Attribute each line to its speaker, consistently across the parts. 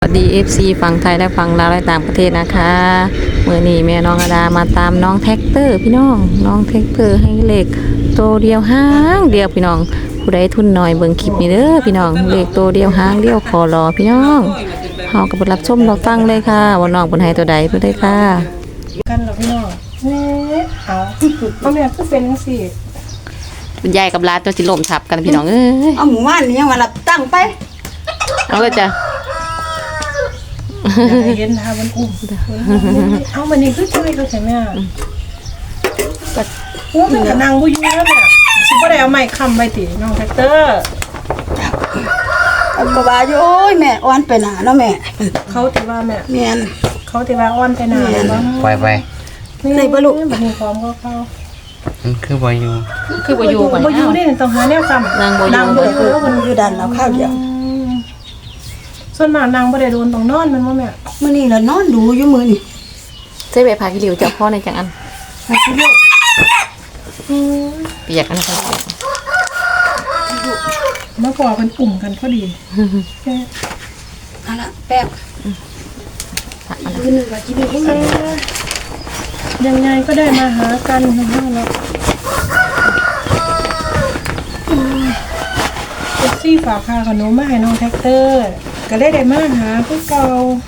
Speaker 1: สดี FC ฝั่งไทยและฝั่งลาวและต่างประเทศนะคะเมื่อนี้แม่น้องอดามาตามน้องแท็กเตอร์พี่น้องน้องแท็กเตอร์ให้เลขตัวเดียวห้างเดียวพี่น้องผู้ใดทุนหน่อยเบิ่งคลิปนี้เด้อพี่น้องเลขตัวเดียวห้างเดียวขอรอพี่น้องเฮาก็ไปรับชมเราฟังเลยค่ะว่าน้องเพิ่นให้ตัวใดเพิ่นได้ค่ะ
Speaker 2: กันหรอพี่น้องเอาแม่ก็เป็นจังซี่
Speaker 1: คุณยายกับหลานตัวสิล้มทับกันพี่น้องเอ้ย
Speaker 3: เอาหมู่บ้านนี่ยังว่ารับตั้งไป
Speaker 1: เอาเลยจ้ะ
Speaker 2: เย็นทามันอุ้มเอามันนี่คือช่วยเขาใช่ไหมก็โอ้มันก็นั่งบ่อยู่แล้วเนี่ยสิบ่ได้เอาไม้ค้ำไว้ติน้องแท็กเตอร์
Speaker 3: เอาก็ว่าอยู่โอ้ยแม่อ่อนไปหน้าเนาะแม่
Speaker 2: เขาที่ว่าแม่
Speaker 3: แม่น
Speaker 2: เขาที่ว่าอ่อนไปหน้าบ่
Speaker 4: ไป
Speaker 2: นี่บ่ลูกบัดนี้พร้อมก็เข้า
Speaker 4: มันคือบ่อยู่
Speaker 1: บ่อยู่ก่อน
Speaker 2: บ่อยู่นี่ต้องหาแนวค้ำ
Speaker 1: นางบ่อยู่
Speaker 3: แล้วมันอยู่ดันเราข้าวเดียว
Speaker 2: ส่วนมากนางบ่ได้โดนต้องนอนมันบ่แม่
Speaker 3: มื้อนี้ล่ะนอนดูอยู่มื้อนี้
Speaker 1: ใส่ใบผักขี้ริ้วเจ้าพ่อในจังอันเปียกอันนั้น
Speaker 2: เมื่อก่อนมันกลุ่มกันพอดี
Speaker 3: เอาละแป๊บมื้อนึงว่าสิมีผู้
Speaker 2: ยังไงก็ได้มาหากันทั้งนั้นแล้วซี่ฝากค่าขนมมาให้น้องแท็กเตอร์ก็ได้มาหาผู้เก่า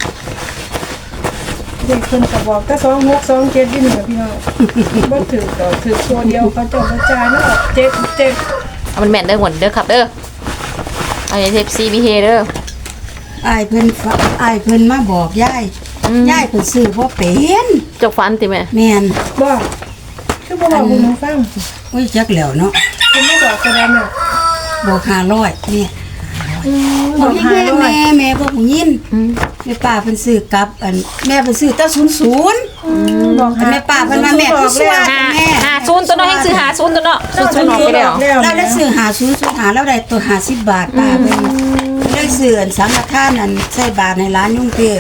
Speaker 2: เด็กคนก็บอกก็2627อยู่นี่พี่น้องบ่ถือต่อถือตัวเดียวเขาจะกระจายเนาะ7
Speaker 1: เอามันแม่นเด้อหวนเด้อครับเด้อเอาอย่าเทปซีบีเฮเด้อ
Speaker 3: อ้ายเพิ่นมาบอกยายเพิ่นซื้อบ่เป็น
Speaker 1: จกฟันติแม่
Speaker 3: แม่น
Speaker 2: บ่คือบ่บอกมึงฟัง
Speaker 3: โอ้ยจักแล้วเนาะ
Speaker 2: เพิ่นบ่บอกก็ได้น่ะ
Speaker 3: บอก500นี่บอกแม่บอกผู้ยินแม่ป้าเพิ่นซื้อกับอันแม่เพิ่นซื้อแต่00บอกแม่ป้าเพิ่นมาแม่คือสวัสดิ์แม่
Speaker 1: 50ตัวเนาะให้ซื้อ50ตัวเนาะ00ออกไปแล้ว
Speaker 3: เราได้ซื้อ50แล้วได้ตัว50บาทป้าเพิ่นได้ซื้ออันสังฆทานอันใส่บาทในร้านยุ่งเทพ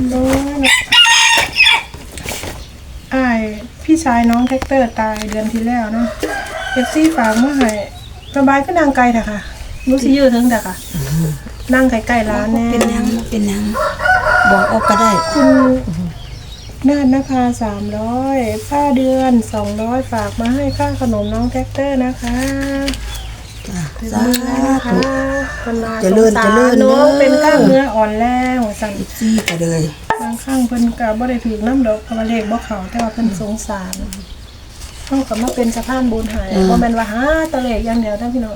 Speaker 2: อ้ายพี่ชายน้องแท็กเตอร์ตายเดือนที่แล้วเนาะ FC ฝากมาให้สบายก็นางไกลเถอะค่ะรู้สิยืดถึงเถอะค่ะนั่งใกล้ๆร้านแน่
Speaker 3: เป็นยังบอกออกก็ได้
Speaker 2: คุณนาฏนภา300ค่าเดือน200ฝากมาให้ค่าขนมน้องแท็กเตอร์นะคะ
Speaker 3: สาธุ
Speaker 2: เจริญน้องเป็นกล้ามเนื้ออ่อนแรงสั่น
Speaker 3: ซี่ไปเลย
Speaker 2: บางครั้งเพิ่นก็บ่ได้ถูกน้ำดอกเพราะว่าเลขบ่เข้าแต่ว่าเพิ่นสงสารเฮาก็มาเป็นสะพานบุญให้บ่แม่นว่าหาตะเลขอย่างเดียวนะพี่น้อง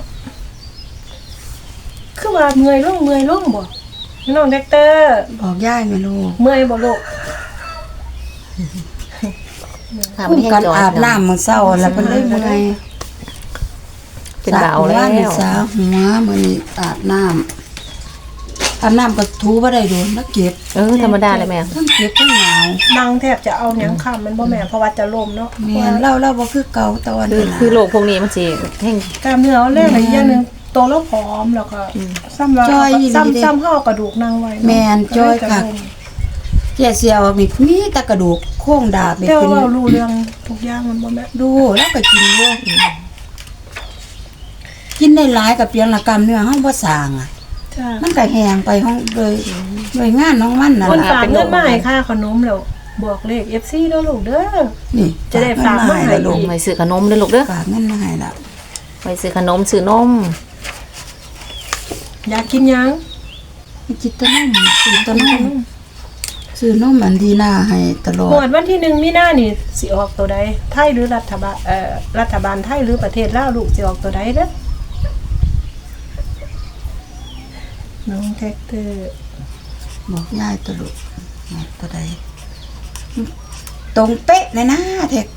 Speaker 2: คือว่าเมื่อยลงบ่พี่น้องแท็กเตอร์
Speaker 3: บอกย่ายแม่ลูก
Speaker 2: เมื่อยบ่ลูก
Speaker 3: กันอาบน้ำมื้อเช้าแล้วเพิ่นเลยบ่ได้
Speaker 1: เป็นเบาแล้ว
Speaker 3: สาวหัวมื้อนี้อาบน้ำก็ถูบ่ได้โดนแล้วเก็บ
Speaker 1: ธรรมดาเลยแม่
Speaker 3: ทั้งเก็บทั้งหนาว
Speaker 2: นั่งแทบจะเอาหยังค้ำมันบ่แม่เพราะว่าจะล้มเนาะ
Speaker 3: แม่เราบ่คือเก่าตอน
Speaker 1: คือโรคพวกนี้มันสิแห้ง
Speaker 2: กล้ามเนื้อแรงอีกอย่างนึงโตแล้วผอมแล้วก็ซ้ำเฮากระดูกนั่งไว้
Speaker 3: แม่นจ้อยค่ะเสียวมีแต่กระดูกโค้งดาบ
Speaker 2: แต่ว่ารู้เรื่องทุกอย่างมันบ่แม่
Speaker 3: ดูแล้วก็กินด้วยกินได้หลายกับเพียงละกรรมเนื้อเฮาบ่สร้างอ่ะมันก็แห้งไปห้องเลยงานน้องมันน่ะ
Speaker 2: คนฝากเงินมาให้ค่าขนมแล้วบอกเลข FC เด้อลูกเด้อ
Speaker 3: นี่
Speaker 2: จะได้ฝากมาให้ลูก
Speaker 1: ไปซื้อขนมเด้อลูกเด้อ
Speaker 3: ฝากเงินมาให้ล่ะ
Speaker 1: ไปซื้อขนมซื้อนม
Speaker 2: อยากกินยัง
Speaker 3: กินตะนมซื้อนมอันดีน่าให้ตลอด
Speaker 2: หมวดวันที่1มีนานี่สิออกตัวใดไทยหรือรัฐบาลไทยหรือประเทศลาวลูกสิออกตัวใดเด้อน้องแท็กเตอร์
Speaker 3: บอกง่ายตัวลูกตัวใดตรงเป๊ะเลยนะแท็ก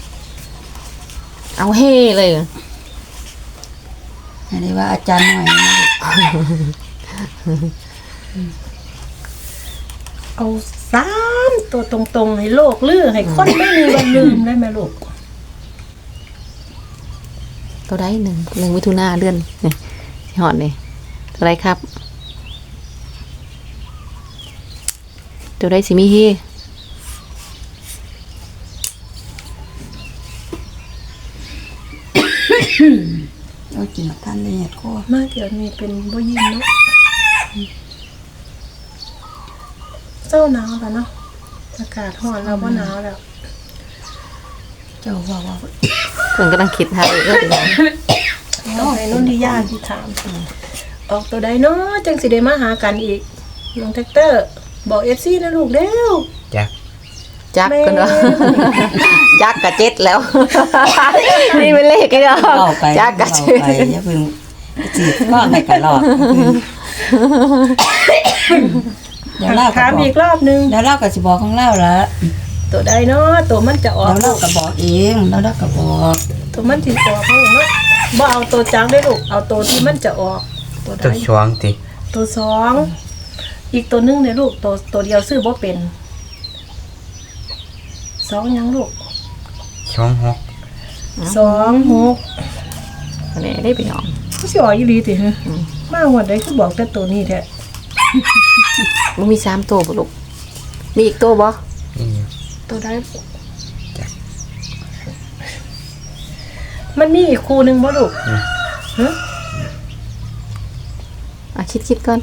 Speaker 1: เอาเฮ่เลย
Speaker 3: อันนี้ว่าอาจารย์หน่อยนะ
Speaker 2: เอา3ตัวตรงๆให้โลกลือให้คนไม่มีวันลืมได้ไหมลูก
Speaker 1: ตัวใด1มิถุนาเดือนนี่หอดนี่ตัวใดครับตัวใดสิมีเฮ
Speaker 3: เรากินท่านละเอียดก็
Speaker 2: มาเดี๋ยวนี้เป็นบ่ยิ้มเนาะเศร้าหนาวแล้วเนาะอากาศร้อนแล้วบ่หนาวแล้ว
Speaker 3: เจ้าว่า
Speaker 1: เพิ่นกำลังคิดหาเอ้ยพี่น้อง
Speaker 2: ต้องให้นุ่นที่ย่าที่ถามออกตัวใดเนาะจังสิได้มาหากันอีกน้องแท็กเตอร์บอก FC นะลูกเร็ว
Speaker 4: จัก
Speaker 1: จักกันว่าจักกะเจ็ดแล้ว นี่เป็นเลขกันเนาะ
Speaker 3: เล่าไป
Speaker 1: จักกะ
Speaker 3: เล่า
Speaker 1: เจ็ด
Speaker 3: ไปอย่าเพิ่งจีบก็ให้กันหลอกเดี๋ยวเล่าก็
Speaker 2: ถาม
Speaker 3: บอ
Speaker 2: อี
Speaker 3: ก
Speaker 2: กรอบนึง
Speaker 3: เดี๋ยวเล่าก็สิบอกของเล่าละ
Speaker 2: ตัวใดเนาะตัวมันจะออ
Speaker 3: เดี๋
Speaker 2: ก
Speaker 3: ยวเล่าก็บอกเองแล้วเล่าก็บอก
Speaker 2: ตัวมันสิออกเนาะบ่เอาตัวจังได้ลูกเอาตัวที่มันจะออกตัวใด
Speaker 4: ตัวช่วงติ
Speaker 2: ตัวสองอีกตัวหนึงเนี่ยลูกตัวเดียวซื้อบ่เป็นสองยังลูก
Speaker 4: ช่วงหก
Speaker 2: 2 6
Speaker 1: อันนี้ได้พี่น้อง
Speaker 2: เขาสิออกอีหลีติฮะมาหมดได้คือบอกแต่ตัวนี้แท้
Speaker 1: มันมี3ตัวบ่ลูกมีอีกตัวบ่
Speaker 4: นี่อยู่
Speaker 2: ตัวใดมันมีอีกคู่หนึงบ่ลูกฮะ
Speaker 1: คิดก่อน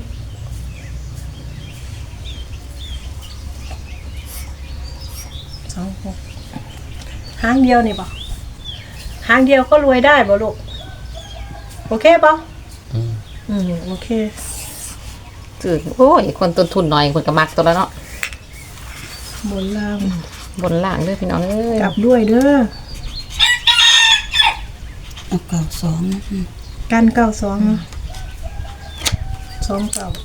Speaker 2: หางเดียวนี่บ่หางเดียวก็รวยได้บ่ลูกโอเคบ่
Speaker 4: อืม
Speaker 2: โอเค
Speaker 1: จืดโอ้ยคนต้นทุนน้อยคนก็มักตัวแล้วเนาะ
Speaker 2: บนล่าง
Speaker 1: บนล่างเด้อพี่น้องเอ้ย
Speaker 2: กลับด้วยเด้อ
Speaker 3: เอาเก่าสองนะ
Speaker 2: กัน92เนาะ2 9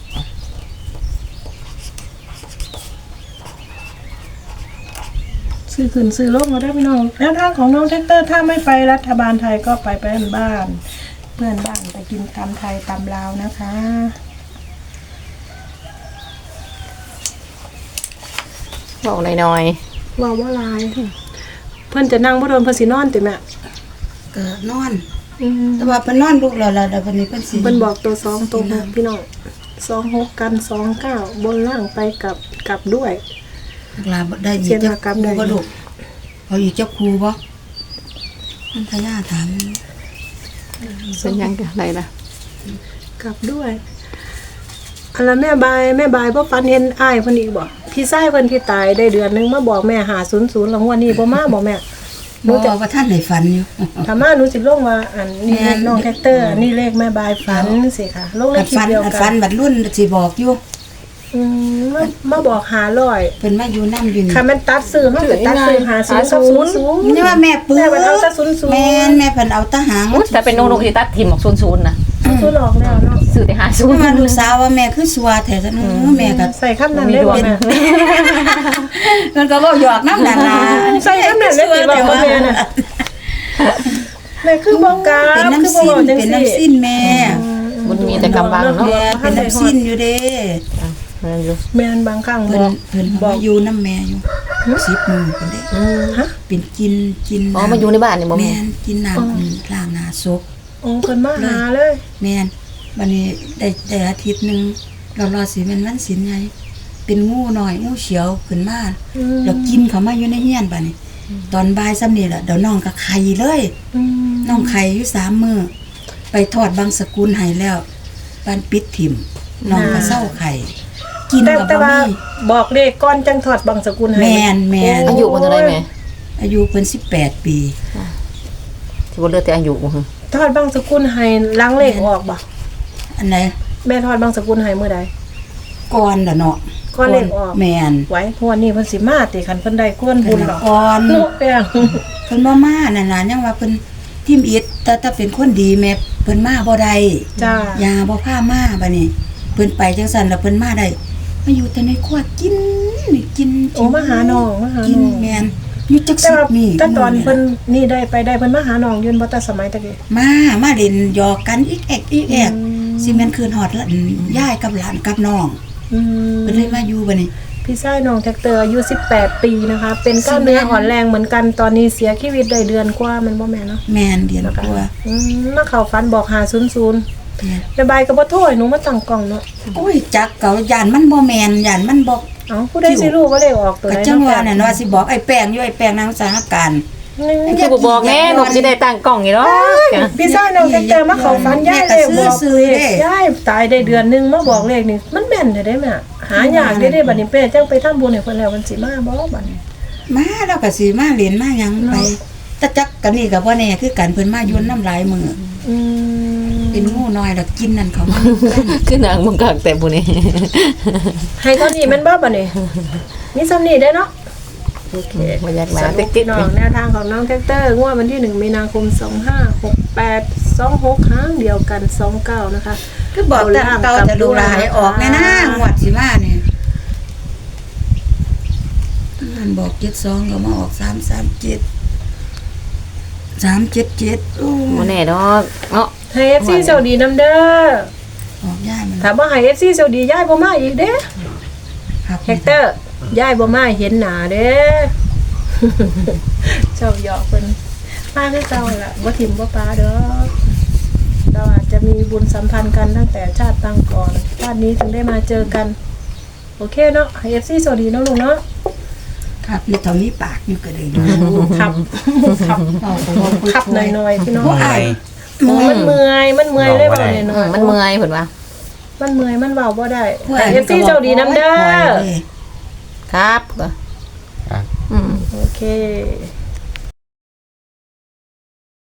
Speaker 2: ซื้อขึ้นซื้อลงมาได้พี่น้องแนวทางของน้องแท็กเตอร์ถ้าไม่ไปรัฐบาลไทยก็ไปบ้านเพื่อนบ้านไปกินตำไทยตำลาวนะคะ
Speaker 1: บอกหน่อย
Speaker 2: ว่าว่าลายเพื่อนจะนั่งบ่โดนเพิ่นสินอนติแม่
Speaker 3: ก็นอน แต่ว่าเพิ่นนอนลูกแล้วล่ะแต่วันนี้เพิ่นสิ
Speaker 2: เพิ่นบอกตัว2ตัว6พี่น้อง26กัน29บนล่างไปกลับด้วย
Speaker 3: ลาบ่ได้อีก
Speaker 2: เสีย
Speaker 3: เจ้า
Speaker 2: หากรรม
Speaker 3: ครู
Speaker 2: ได้
Speaker 3: บ่ลูกเอาอีกเจ้าครูบ่มันทายาถาม
Speaker 1: ๆเป็นยังกันอะไรล่ะ
Speaker 2: กลับด้วยอันละแม่บายบ่ฝันเห็นอ้ายเพิ่นอีกบ่พี่ชายเพิ่นที่ตายได้เดือนนึงมาบอกแม่500แล้วงวดนี้บ่มาบ่แม่หนู
Speaker 3: บ่
Speaker 2: จะ
Speaker 3: ว่าท่านได้ฝันอยู่
Speaker 2: ถ้ามาหนูสิลงว่าอันนี้เลขน้องแท็กเตอร์อันนี้เลขแม่บายฝันสิค่ะลงใน
Speaker 3: อัด
Speaker 2: คลิป
Speaker 3: ฝัน
Speaker 2: เดียว
Speaker 3: อัด
Speaker 2: กั
Speaker 3: ฝั
Speaker 2: น
Speaker 3: นบัดรุ่นสิบอกอยู่
Speaker 2: มาบอก500
Speaker 3: เพิ่นมาอยู่นำอยู่นี่
Speaker 2: ค่ะมันตัดซื้อเฮาก็ตัดซื้อ50กับ00
Speaker 3: นี่ว่าแม่ปื้
Speaker 2: แม่มันเอาแต่00
Speaker 3: แม่นแม่เพิ่นเอาทหาร
Speaker 1: อุ๊ยแต่เป็นนกที่ตัดทิมออก00นะ
Speaker 2: ซื้อหลอกแล้วเนาะ
Speaker 1: ซื้อแต่50
Speaker 3: มาลูกสาวว่าแม่คือสัวแท้ซะแม่ก็
Speaker 2: ใส่คำนั้นได้บ่แม่
Speaker 3: มันก็เว้าหยอกนำนั่นล่ะ
Speaker 2: ใส่คำนั้นได้สิบอกว่าแม่น่ะแม่คือบ่กล้า
Speaker 3: เป็น
Speaker 2: คือ
Speaker 3: น้ำ
Speaker 2: บ่
Speaker 3: สิ้น
Speaker 2: บอกจัง
Speaker 3: เป็น
Speaker 2: ซี่
Speaker 3: น้ำสิ้นแม่
Speaker 1: มันมีแต่กำบังเนาะ
Speaker 3: แม่เป็นน้ำสิ้นอยู่เด้
Speaker 1: นั่นอยู่
Speaker 2: แม่นบางครั้ง
Speaker 3: เพิ่
Speaker 2: บ
Speaker 3: น
Speaker 2: อก
Speaker 3: เพิ่นมาอยู่น้ำแม่อยู่10มื้อเพิ่นได้
Speaker 2: ฮะ
Speaker 3: เป็นกิน
Speaker 1: อ๋อมาอยู่ในบ้านนี่บ่
Speaker 3: แม่
Speaker 1: แม่
Speaker 3: นกินน้ำล้างหน้าศพ
Speaker 2: โอ้เพิ่นมาหาเลย
Speaker 3: แม่นบัดนี้ได้อาทิตย์หนึงรอสิแม่นวันศีลไงเป็นงูน้อยงูเขียวขึ้นมาแล้วกินเข้ามาอยู่ในเฮียนบัดนี้ ตอนบ่ายซ้ำนี่ล่ะเดี๋ยวน้องก็ไข่เลย น้องไข่อยู่3มื้อไปทอดบางสกุลให้แล้วปานปิดถิ่มน้องก็เศร้าไข่กิน
Speaker 2: แต่
Speaker 3: ก็
Speaker 2: แต่
Speaker 3: บ่
Speaker 2: ว่า
Speaker 3: มี
Speaker 2: บอกเลขก่อนจังถอดบางสกุลให้
Speaker 3: แม่นแม่น
Speaker 1: อายุมันเท่าไหร่แม่
Speaker 3: อายุเพิ่น18 ปี
Speaker 1: ที่บ่เหลือแต่อายุบ่ฮึ
Speaker 2: ถอดบางสกุลให้ล้างเลขออกบ่
Speaker 3: อันไหน
Speaker 2: แม่ถอดบางสกุลให้มื้อใด
Speaker 3: ก่อนล่ะเนาะ
Speaker 2: ก่อนเลขออก
Speaker 3: แม่น
Speaker 2: ไว้ทวนนี้เพิ่นสิมาติคันเพิ่นได้ก้วนบุญหรอก
Speaker 3: ก่อน
Speaker 2: เนาะแป้ง
Speaker 3: เพิ่นบ่มานั่นล่ะยังว่าเพิ่นทิมอิดแต่ถ้าเป็นคนดีแม่เพิ่นมาบ่ได้
Speaker 2: จ้าย
Speaker 3: าบ่พามาบัดนี้เพิ่นไปจังซั่นแล้วเพิ่นมาได้มาอยู่แต่ในครัวกินนี่กิน
Speaker 2: โอ้มาหาน้องมาหา
Speaker 3: กิน
Speaker 2: น้อง
Speaker 3: แม่นอยู่จัก
Speaker 2: แต่
Speaker 3: สิบ
Speaker 2: ว่า
Speaker 3: นี่
Speaker 2: แต่ตอนเพิ่นนี่ได้ไปได้เพิ่นมาหาน้องยืนบ่แต่สมัยตะกี้
Speaker 3: มาเล่นหยอกกันอีกแอกอีกแอกสิแม่นคืนฮอดละยายกับหลานกับน้อง
Speaker 2: อืม
Speaker 3: เพิ่นเลยมาอยู่บัดนี้
Speaker 2: พี่ชายน้องแท็กเตอร์อายุ18 ปีนะคะ เป็นกล้ามเนื้ออ่อนแรงเหมือนกันตอนนี้เสียชีวิตได้เดือนกว่าแมันบ่แม่นเนาะ
Speaker 3: แม่นเดียน
Speaker 2: นะคะ
Speaker 3: กลัว
Speaker 2: มาเข้าฝันบอก500
Speaker 3: แม่น
Speaker 2: แม่บายก็บ่โทรให้หนูมาตั้งกล้องเนาะ
Speaker 3: โอ้ยจักเก่าย่านมันบ่แม่นย่านมันบ่
Speaker 2: เอ้าผู้ใดสิรู้ว่าเลขออกตัว
Speaker 3: ก็
Speaker 2: ไหน
Speaker 3: จังว่า
Speaker 2: เนาะ
Speaker 3: นั่นว่าสิบอกไอ้แป้งอยู่ไอ้แป้งนางสาหการ
Speaker 1: คือบ่บอกแน่หนูสิได้ตั้งกล้องอยู่เนาะจ้ะ
Speaker 2: พี่ชายน้องแท็กเตอร์มาเข้าฝันยายเลขบอกเลขยายตายได้เดือนนึงมาบอกเลขนี่มันแม่นได้แม่หายากได้บัดนี้เป้จังไปทำบุญให้เพิ่นแล้วมันสิมาบ่บัดนี้
Speaker 3: มาแล้วก็สิมาเรียนมาหยังไปแต่จักกันนี่ก็บ่แน่คือกันเพิ่นมายุ่นน้ำลายมือ
Speaker 2: อืม
Speaker 3: เป็นงูน้อยแล้วกินนั่นเขามา
Speaker 1: คือนางบ่กักแต่ผู้นี้
Speaker 2: ให้เท่านี้แม่นบ่บัดนี้มีซ้ำนี้ได้เนาะโอเค
Speaker 1: บ่อยาก
Speaker 2: ส
Speaker 1: มา
Speaker 2: รุ
Speaker 1: ติ๊
Speaker 2: ป
Speaker 1: ก
Speaker 2: พี่น้องแนวทางของน้องแท็กเตอร์งวดวันที่1มีนาคม2568 26ครั้งเดียวกัน29นะคะ
Speaker 3: คือบอกแต่เก่าจะดูลายออกแน่นะงวดสิมาเนี่ยมันบอก72ก็มาออก337 377โอ้
Speaker 1: บ่แน่ดอกเนาะ
Speaker 2: ให้ FC สวัสดีนำเด้อ
Speaker 3: ออกย่ายมัน
Speaker 2: ถ้าบ่ให้ FC สวัสดียายบ่มาอีกเด้
Speaker 3: ครับ
Speaker 2: แฮกเตอร์ยายบ่มาเห็นหน้าเด้ เจ้าหยอกเพิ่นมาคือเก่าล่ะบ่ทิ่มบ่ปาดอกเราอาจจะมีบุญสัมพันธ์กันตั้งแต่ชาติปางก่อนชาตินี้ถึงได้มาเจอกัน โอเคเนาะให้ FC สวัสดีเนาะลุงเนาะ
Speaker 3: ครับนี่เท่านี้ปากอยู่ก็เลยดู
Speaker 2: ครับครับ
Speaker 3: เอาผมว่าคุย
Speaker 2: ขับหน่อยๆพี่น้อง
Speaker 3: บ่อาย
Speaker 2: มันเมื่อยเลยบ่ได้น้อย
Speaker 1: มันเมื่อยเพิ่นว่า
Speaker 2: มันเมื่อยมันเว้าบ่ได้
Speaker 3: ผู้
Speaker 2: แต่
Speaker 3: อาย
Speaker 2: FC เจ้าดีน้ำเด้อ
Speaker 1: ครับก็
Speaker 4: ครับ
Speaker 1: อืม
Speaker 2: โอเค